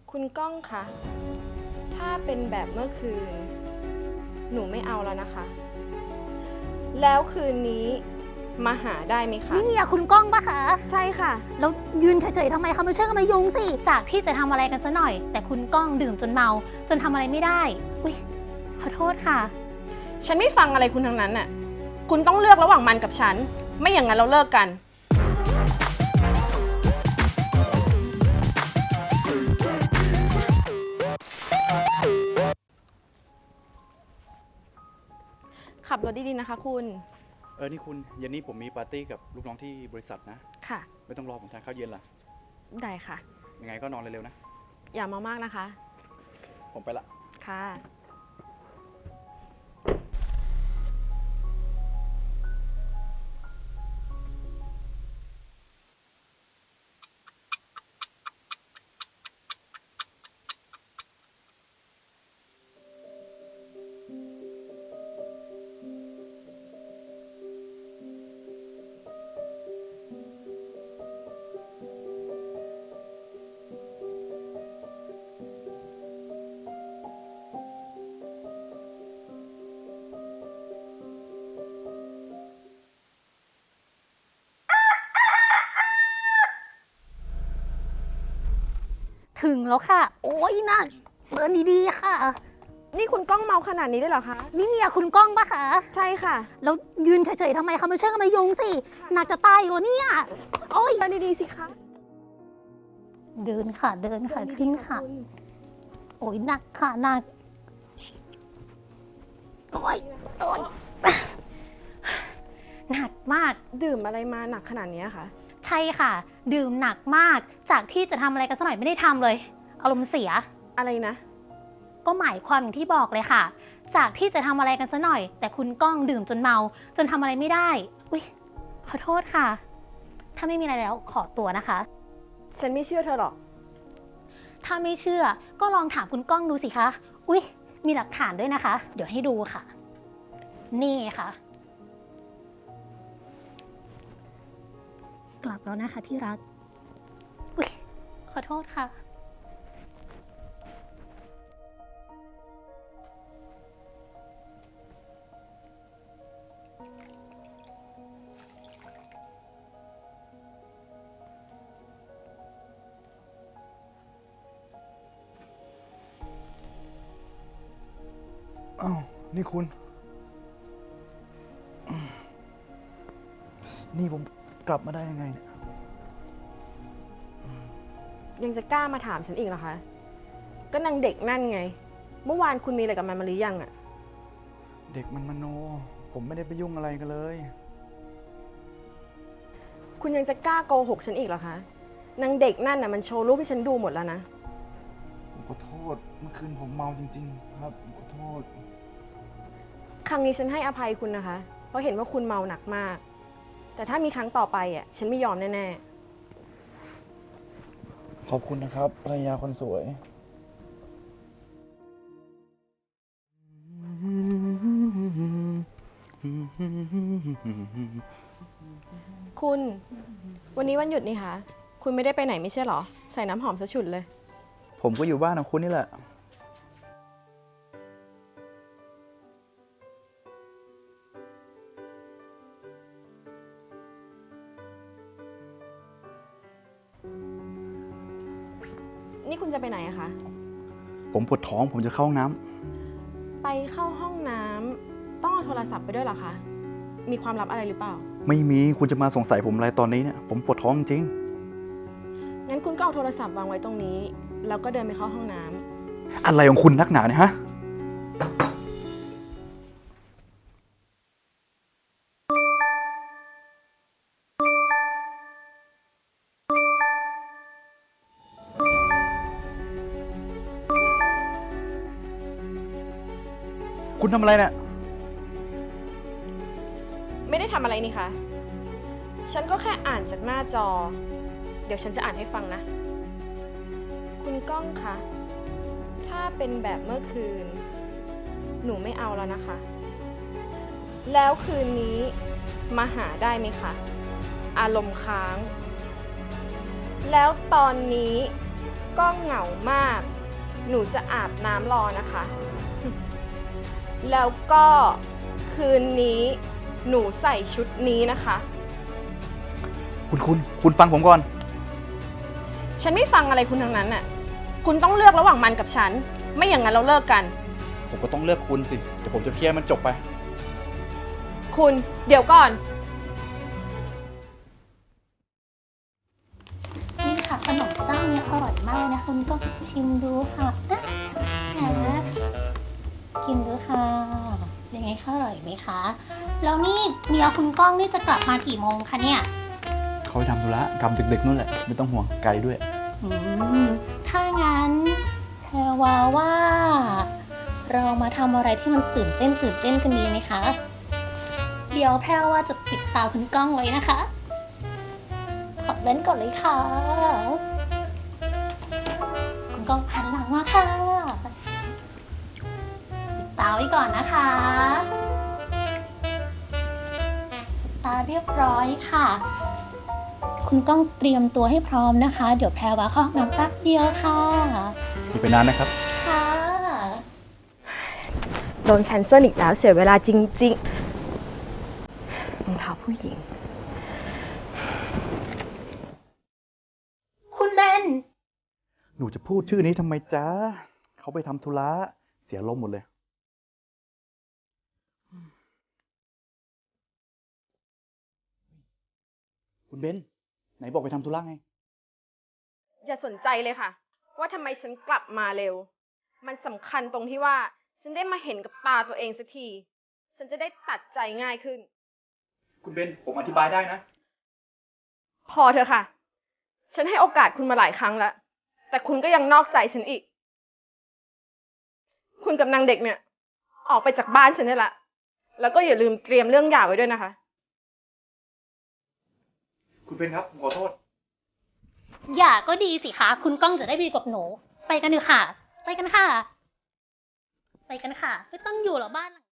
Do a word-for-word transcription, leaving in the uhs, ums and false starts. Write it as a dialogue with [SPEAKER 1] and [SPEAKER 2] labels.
[SPEAKER 1] คุณก้องคะ ถ้าเป็นแบบเมื่อคืน หนูไม่เอาแล้วนะคะ แล้วคืนนี้มาหาได้ไหมคะ
[SPEAKER 2] นี่เมียคุณก้องปะคะ
[SPEAKER 1] ใช่ค่ะ
[SPEAKER 2] แล้วยืนเฉยๆทำไมคะไม่ช่วยกันมายุงสิ จากที่จะทำอะไรกันซะหน่อย แต่คุณก้องดื่มจนเมา จนทำอะไรไม่ได้ อุ๊ย ขอโทษค่ะ
[SPEAKER 1] ฉันไม่ฟังอะไรคุณทั้งนั้นน่ะ คุณต้องเลือกระหว่างมันกับฉัน ไม่อย่างนั้นเราเลิกกัน ขับรถดีๆนะคะคุณ
[SPEAKER 3] เออ นี่คุณเย็นนี้ผมมีปาร์ตี้กับลูกน้องที่บริษัทนะ
[SPEAKER 1] ค่ะ
[SPEAKER 3] ไม่ต้องรอผมทานข้าวเย็นล่ะ
[SPEAKER 1] ได้ค่ะ
[SPEAKER 3] ยังไงก็นอนเร็วๆนะ
[SPEAKER 1] อย่ามามากนะคะ
[SPEAKER 3] ผมไปละ
[SPEAKER 1] ค่ะ
[SPEAKER 2] ถึงแล้วค่ะ โอ้ยน่าเดินดีๆค่ะ
[SPEAKER 1] นี่คุณก้องเมาขนาดนี้ได้เหรอคะ
[SPEAKER 2] นี่เมียคุณก้องปะคะ
[SPEAKER 1] ใช่ค่ะ
[SPEAKER 2] แล้วยืนเฉยๆทำไมคะไม่ช่วยกันมายุงสิ หนักจะตายอยู่แล้วเนี่ย โอ้ย
[SPEAKER 1] เดินดีๆสิคะ
[SPEAKER 2] เดินค่ะ เดินค่ะ
[SPEAKER 1] เดิ
[SPEAKER 2] ขึ้น
[SPEAKER 1] ดีๆ
[SPEAKER 2] ค่ะ
[SPEAKER 1] ณ
[SPEAKER 2] โอ้ยหนักค่ะหนัก โอ้ยโอ้ยหนักมาก
[SPEAKER 1] ดื่มอะไรมาหนักขนาดนี้คะ
[SPEAKER 2] ใช่ค่ะ ดื่มหนักมาก จากที่จะทำอะไรกันสักหน่อยไม่ได้ทำเลย อารมณ์เสีย
[SPEAKER 1] อะไรนะ
[SPEAKER 2] ก็หมายความอย่างที่บอกเลยค่ะ จากที่จะทำอะไรกันสักหน่อย แต่คุณก้องดื่มจนเมา จนทำอะไรไม่ได้ อุ๊ย ขอโทษค่ะ ถ้าไม่มีอะไรแล้วขอตัวนะคะ
[SPEAKER 1] ฉันไม่เชื่อเธอหรอก
[SPEAKER 2] ถ้าไม่เชื่อก็ลองถามคุณก้องดูสิคะ อุ๊ย มีหลักฐานด้วยนะคะ เดี๋ยวให้ดูค่ะ นี่ค่ะ กลับแล้วนะคะที่รัก อุ๊ย ขอโทษค่ะ
[SPEAKER 3] อ้าว นี่คุณ นี่ผมกลับมาได้ยังไงเนี่ย
[SPEAKER 1] ยังจะกล้ามาถามฉันอีกเหรอคะ ก็นางเด็กนั่นไง เมื่อวานคุณมีอะไรกับมันมาหรือยังอะ
[SPEAKER 3] เด็กมันมโน ผมไม่ได้ไปยุ่งอะไรกันเลย
[SPEAKER 1] คุณยังจะกล้าโกหกฉันอีกเหรอคะ นางเด็กนั่นน่ะมันโชว์รูปให้ฉันดูหมดแล้วนะ
[SPEAKER 3] ผมขอโทษ เมื่อคืนผมเมาจริงๆ ครับผมขอโทษ
[SPEAKER 1] ครั้งนี้ฉันให้อภัยคุณนะคะ เพราะเห็นว่าคุณเมาหนักมาก แต่ถ้ามีครั้งต่อไปอ่ะ ฉันไม่ยอมแน่ๆ
[SPEAKER 3] ขอบคุณนะครับภรรยาคนสวย
[SPEAKER 1] คุณ วันนี้วันหยุดนี่คะคุณไม่ได้ไปไหนไม่ใช่เหรอ ใส่น้ำหอมซะฉุดเลย
[SPEAKER 3] ผมก็อยู่บ้านของคุณนี่แหละ
[SPEAKER 1] นี่คุณจะไปไหนอะคะ
[SPEAKER 3] ผมปวดท้องผมจะเข้าห้องน้ำ
[SPEAKER 1] ไปเข้าห้องน้ำต้องเอาโทรศัพท์ไปด้วยเหรอคะ มีความลับอะไรหรือเปล่า
[SPEAKER 3] ไม่มีคุณจะมาสงสัยผมอะไรตอนนี้เนี่ย ผมปวดท้องจริง
[SPEAKER 1] งั้นคุณก็เอาโทรศัพท์วางไว้ตรงนี้ แล้วก็เดินไปเข้าห้องน้ำ
[SPEAKER 3] อะไรของคุณนักหนาเนี่ยฮะ คุณทำอะไรเนี่ย
[SPEAKER 1] ไม่ได้ทำอะไรนี่คะ ฉันก็แค่อ่านจากหน้าจอ เดี๋ยวฉันจะอ่านให้ฟังนะ คุณก้องคะ ถ้าเป็นแบบเมื่อคืน หนูไม่เอาแล้วนะคะ แล้วคืนนี้มาหาได้ไหมคะ อารมณ์ค้าง แล้วตอนนี้ก้องเหงามาก หนูจะอาบน้ำรอนะคะ แล้วก็คืนนี้หนูใส่ชุดนี้นะคะ
[SPEAKER 3] คุณคุณคุณฟังผมก่อน
[SPEAKER 1] ฉันไม่ฟังอะไรคุณทั้งนั้นน่ะ คุณต้องเลือกระหว่างมันกับฉัน ไม่อย่างนั้นเราเลิกกัน
[SPEAKER 3] ผมก็ต้องเลือกคุณสิ เดี๋ยวผมจะเคลียร์มันจบไป
[SPEAKER 1] คุณเดี๋ยวก่อน
[SPEAKER 2] นี่ค่ะขนมเจ้าเนี้ยอร่อยมากนะคุณก็ชิมดูค่ะอ่ะนะกินดูค่ะยังไงคะอร่อยไหมคะ แล้วนี่เมียคุณก้องนี่จะกลับมากี่โมงคะเนี่ย
[SPEAKER 3] เขาไปทำธุระกลับดึกๆนู่นแหละ ไม่ต้องห่วงไกลด้วย
[SPEAKER 2] อืมถ้างั้นแพรวาว่า เรามาทำอะไรที่มันตื่นเต้นตื่นเต้นกันดีไหมคะ เดี๋ยวแพรวาจะปิดตาคุณก้องไว้นะคะขอเล่นก่อนเลยค่ะ คุณก้องหันหลังมาค่ะปิดตาไว้ก่อนนะคะปิดตาเรียบร้อยค่ะ คุณก้องเตรียมตัวให้พร้อมนะคะ เดี๋ยวแพรวาเข้าห้องน้ำแป๊บเดียวค่ะ
[SPEAKER 3] มีไปนานนะครับ
[SPEAKER 2] ค่ะ
[SPEAKER 1] โดนแคนเซิลอีกแล้วเสียเวลาจริงๆรองเท้าผู้หญิง
[SPEAKER 2] คุณเบน
[SPEAKER 3] หนูจะพูดชื่อนี้ทำไมจ๊ะ เขาไปทำธุระ เสียลมณ์หมดเลย คุณเบน ไหนบอกไปทำธุระไง
[SPEAKER 1] อย่าสนใจเลยค่ะ ว่าทำไมฉันกลับมาเร็ว มันสำคัญตรงที่ว่า ฉันได้มาเห็นกับตาตัวเองสักที ฉันจะได้ตัดใจง่ายขึ้น
[SPEAKER 3] คุณเบน ผมอธิบายได้นะ
[SPEAKER 1] พอเถอะค่ะ ฉันให้โอกาสคุณมาหลายครั้งแล้ว แต่คุณก็ยังนอกใจฉันอีก คุณกับนางเด็กเนี่ย ออกไปจากบ้านฉันได้ละ แล้วก็อย่าลืมเตรียมเรื่องหย่าไว้ด้วยนะคะ
[SPEAKER 3] คุณเบนครับ ผมขอโทษ
[SPEAKER 2] อย่าก็ดีสิคะ คุณก้องจะได้ดีกับหนู ไปกันเถอะค่ะ ไปกันค่ะ ไปกันค่ะ ไม่ต้องอยู่หรอกบ้านหลัง